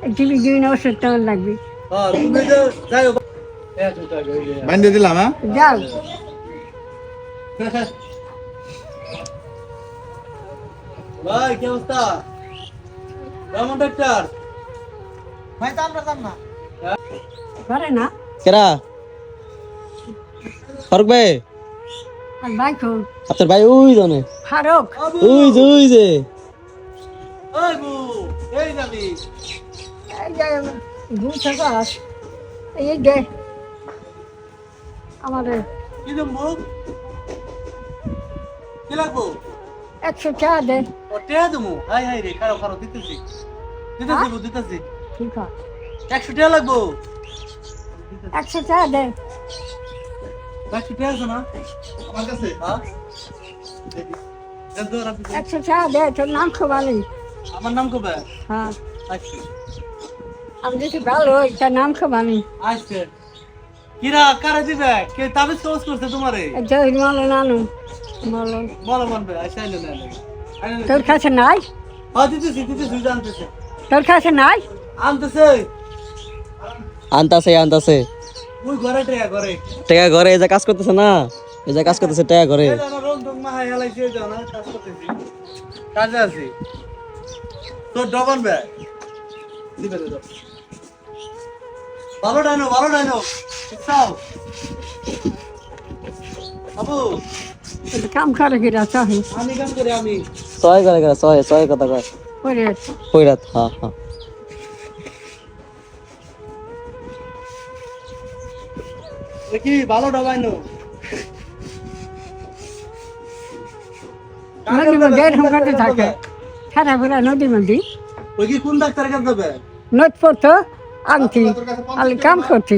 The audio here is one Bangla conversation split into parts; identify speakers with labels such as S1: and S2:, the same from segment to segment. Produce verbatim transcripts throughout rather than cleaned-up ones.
S1: টিভি দিন ওষুধ তেমন লাগবে।
S2: বান্ধে দিলাম হ্যাঁ
S1: যাও
S3: ভাই কি অবস্থা? কেমন ডাক্তার?
S4: ভাই তো আমরা যাম না
S1: করে না
S5: কেরা ফারুক ভাই
S1: আর ভাই খুব
S5: আপনার ভাই ওই জানে
S1: ফারুক
S5: ওই যে ওই যে
S3: ওই বু এই যাবি
S1: এই যে ঘুম থেকে আস এই যে আমাদের
S3: কি দেবো? কি লাগবো?
S1: একশো টাকা দে।
S3: ও টেয়া দেবো? হাই হাই রে খারাপ খারাপ দিতেছি দিতেছি বু দিতেছি
S1: ঠিক আছে
S3: একশো টাকা লাগবো।
S1: একশো টাকা দে।
S3: একশো টাকা আছে না
S2: আমার কাছে
S3: হ্যাঁ দেন তো রাখি।
S1: একশো টাকা দে তোর নাম খোবালি।
S3: আমার নাম কবে?
S1: হ্যাঁ
S3: আচ্ছা
S1: আমি যদি ভালো হই তার নাম খোবালি।
S3: আচ্ছা কিরা কারে দিবে? কে তাবিজ কবজ করছে তোমারে?
S1: এটা মালো নানু মালো
S3: বলো মানবে আচ্ছা আইলে না আইলে
S1: তোর কাছে নাই
S3: হ্যাঁ দিতেছি দিতেছি জানতেছে
S1: তোর কাছে নাই
S3: আনতেছে
S5: আনতাছে আনতাছে
S3: ওই ঘরে টেয়া ঘরে
S5: টাকা ঘরে এই যে কাজ করতেছে না এই যে কাজ করতেছে টাকা ঘরে
S3: এই জানো রং টং মাহাই হেলাইছে এই জানো কাজ করতেছি কাজে আছি তোর ডবল ব্যাগ দিবে দে দাও ভালো ডাইনো ভালো ডাইনো চাও আবু
S1: কাম করে কিরা চাহি
S3: আমি কাম করি আমি
S5: ছয় করে করে ছয় ছয় কথা কয়
S1: করে
S5: কই রাত হ্যাঁ হ্যাঁ
S3: দেখি ভালো ডাবাইনো
S1: নদীর মধ্যে এরকম করতে থাকে সারা বেলা নদীর মধ্যে
S3: ওই কি কোন ডাক্তার কাছে যাবে
S1: নোট পড়তো আনতি আমি কাম করছি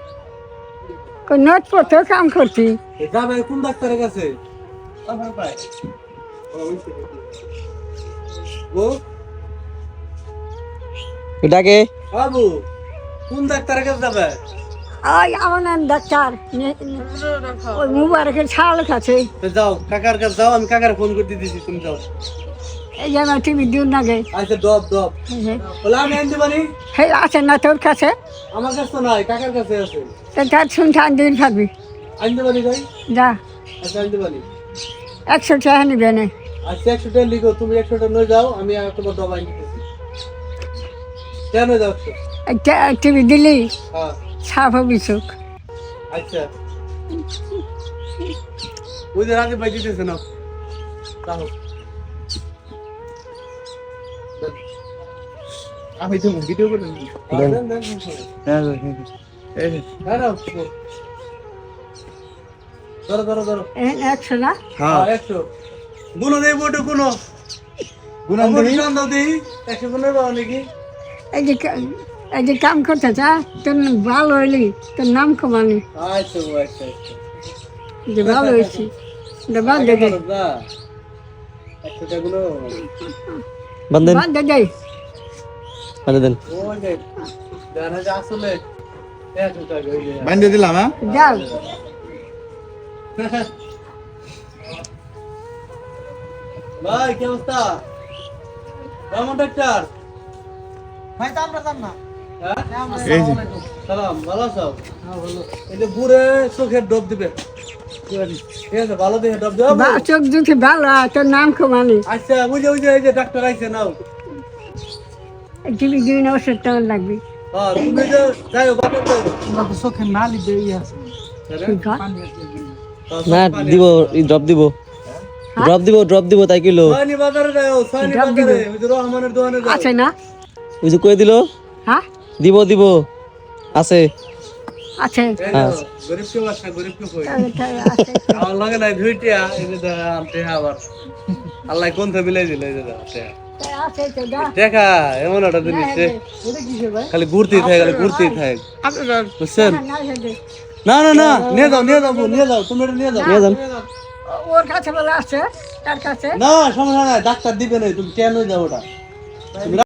S1: নোট পড়তো কাম করছি
S3: যাবে কোন ডাক্তারের কাছে ও
S5: এটাকে
S3: বাবু কোন ডাক্তারের কাছে যাবে
S1: ওই আমার নাম ডাক্তার নে- ওই মুবারকের ছাল কাছে
S3: তো যাও কাকার কাছে যাও আমি কাকার ফোন করে দিতেছি তুমি যাও
S1: এই যে আমার টিভি দিন লাগে
S3: আচ্ছা ডব ডব বলে আমি আনতে পারি
S1: হে আছে না তোর কাছে
S3: আমার কাছে তো নাই কাকার কাছে আছে
S1: তো তার শুনতে আন দিন পারবি
S3: আনতে পারি ভাই
S1: যা
S3: আচ্ছা আনতে পারি
S1: একশো টাকা নিবে না
S3: আচ্ছা একশো টাকা লিখো তুমি একশো টাকা নিয়ে যাও আমি আর তোমার ডব আনি দিতেছি কেন যাচ্ছ
S1: টিভি দিলি
S3: হ্যাঁ
S1: সাপ হবি চোখ
S3: আচ্ছা ওই যে রাতে ভাই দিতেছে না তাহলে
S2: আমি তো ভিডিও করে
S3: দেন দেন দেন
S2: হ্যাঁ এই
S3: হ্যাঁ না ধরো ধরো ধরো
S1: একশো না
S3: হ্যাঁ একশো গুনো দেই বটে গুনো
S2: গুনান দেই
S3: গুণ দাও দিই একশো গুণের পাও নাকি
S1: এই যে কা- এই যে কাম করতে চা তোর ভালো হইলি তোর নাম কমানি
S3: আচ্ছা আচ্ছা আচ্ছা
S1: যে ভালো হয়েছি বাদ দে দে
S3: যা একশো টাকা গুলো
S5: বান্ধেন
S1: বাদ দে দে
S5: বান্ধে দেন
S3: ওই যে জানা যা আসলে একশো টাকা ওই যে
S2: বান্ধে দিলাম হ্যাঁ
S1: যাও
S3: ভাই কি অবস্থা? কেমন ডাক্তার?
S4: ভাই তো আমরা যাম না
S3: হ্যাঁ?
S2: এই যে
S3: সালাম ভালো আছো? এই যে বুড়ে চোখের ডব দিবে ঠিক আছে ভালো দেখে ডব দেবো
S1: বা- চোখ দুটি ভালো হয়, তোর নাম কমানি
S3: আচ্ছা ওই যে ওই যে এই যে ডাক্তার আইছে নাও
S1: টিভি দিন ওষুধ তেমন লাগবে
S3: হ্যাঁ তুমি যে যাই হোক বাপের যাই হোক।
S4: আমরা তো চোখে না লিখবে ই আছে
S1: ঠিক আছে
S5: না দিব ড্রপ দিব ড্রপ দিব ড্রপ দিব তাই কিলো
S3: সয়নি বাজারে যাও সয়নি
S1: ডাব দিবে।
S3: বাজারে ওই যে রহমানের দোকানে যাও
S1: আছে না
S5: ওই যে কই দিল
S1: হ্যাঁ
S5: দিব দিব আছে
S1: আছে
S3: এই যে গরিব কেউ আসে গরিব কেউ কই
S1: আছে
S3: আমার লাগে নাই দুইটা এই যে দা আমতে আবার আল্লাহ কোন থেকে বিলাই দিল এই যে দা
S1: আছে তো দা
S3: দেখা এমন একটা জিনিস যে
S1: এটা কি হবে
S3: খালি ঘুরতেই থাকে খালি ঘুরতেই থাকে বুঝছেন
S1: না হেদে
S3: না না না নিয়ে যাও নিয়ে যাও বউ, নিয়ে যাও তুমি এটা নিয়ে যাও
S5: নিয়ে যান
S1: ওর কাছে বলে আছে তার কাছে
S3: না সমস্যা নাই ডাক্তার দিবে না তুমি কেন যাও ওটা তুমি